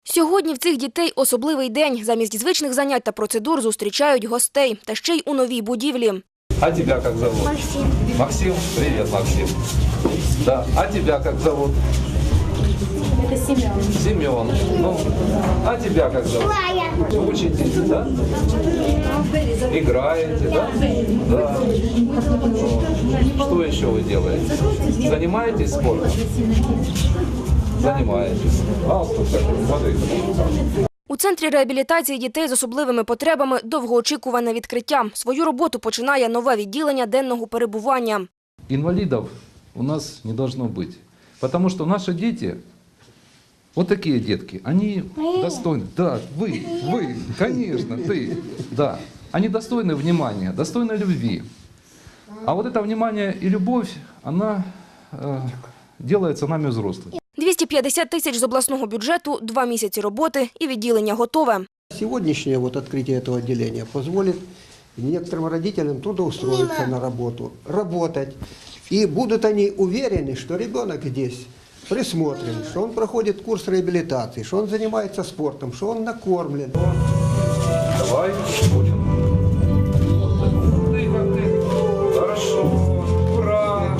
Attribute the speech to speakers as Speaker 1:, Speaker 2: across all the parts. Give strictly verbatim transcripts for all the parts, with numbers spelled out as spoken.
Speaker 1: Сьогодні в цих дітей особливий день. Замість звичних занять та процедур зустрічають гостей. Та ще й у новій будівлі.
Speaker 2: А тебя как зовут?
Speaker 3: Максим.
Speaker 2: Максим? Привет, Максим. Да. А тебя как зовут?
Speaker 3: Это Семен.
Speaker 2: Семен. Ну, а тебя как зовут?
Speaker 3: Лая.
Speaker 2: Учитесь, да? Играете, да? Да. Ну, что еще вы делаете? Занимаетесь спортом? Занимаетесь. А вот тут как, смотрите.
Speaker 1: У Центрі реабілітації дітей з особливими потребами довгоочікуване відкриття. Свою роботу починає нове відділення денного перебування.
Speaker 2: Инвалидов у нас не должно быть. Потому что наши дети, вот такие детки, они достойны. Да, вы, вы, конечно, ты. Да, они достойны внимания, достойны любви. А вот это внимание и любовь, она э, делается нами взрослыми.
Speaker 1: двісті п'ятдесят тисяч з обласного бюджету, два місяці роботи і відділення готове.
Speaker 4: Сегодняшнее вот открытие этого отделения позволит некоторым родителям трудоустроиться на работу, работать. И будут они уверены, что ребенок здесь присмотрен, что он проходит курс реабилитации, что он занимается спортом, что он накормлен.
Speaker 2: Давай, будем. Ты как ты. Хорошо. Ура!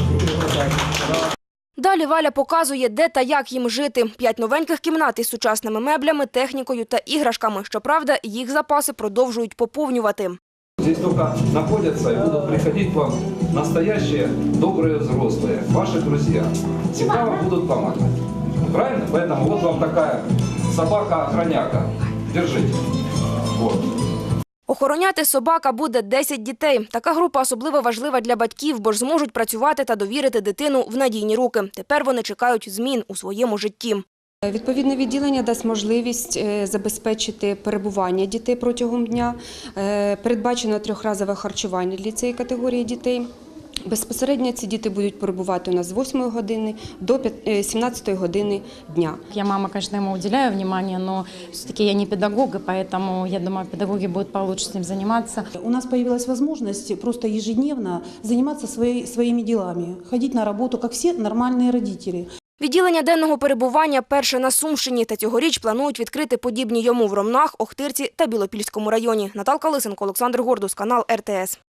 Speaker 1: Далі Валя показує, де та як їм жити. П'ять новеньких кімнат із сучасними меблями, технікою та іграшками. Щоправда, їх запаси продовжують поповнювати.
Speaker 2: Здесь только находятся и будут приходить к вам настоящие добрые взрослые, ваши друзья. Всегда вам будут помогать. Правильно? Поэтому вот вам такая собака-охраняка. Держите. Вот.
Speaker 1: Охороняти собака буде десять дітей. Така група особливо важлива для батьків, бо ж зможуть працювати та довірити дитину в надійні руки. Тепер вони чекають змін у своєму житті.
Speaker 5: Відповідне відділення дасть можливість забезпечити перебування дітей протягом дня. Передбачено трьохразове харчування для цієї категорії дітей. Безпосередньо ці діти будуть перебувати у нас з восьмої години до сімнадцятої години дня.
Speaker 6: Я мама, конечно, ему уделяю внимание, но все-таки я не педагог, и поэтому, я думаю, педагоги будут получше с ним заниматься.
Speaker 7: У нас появилась возможность просто ежедневно заниматься своей, своими делами, ходить на работу, как все нормальные родители.
Speaker 1: Відділення денного перебування перше на Сумщині, та цьогоріч планують відкрити подібні йому в Ромнах, Охтирці та Білопільському районі. Наталка Лисенко, Олександр Гордус, канал ер те ес.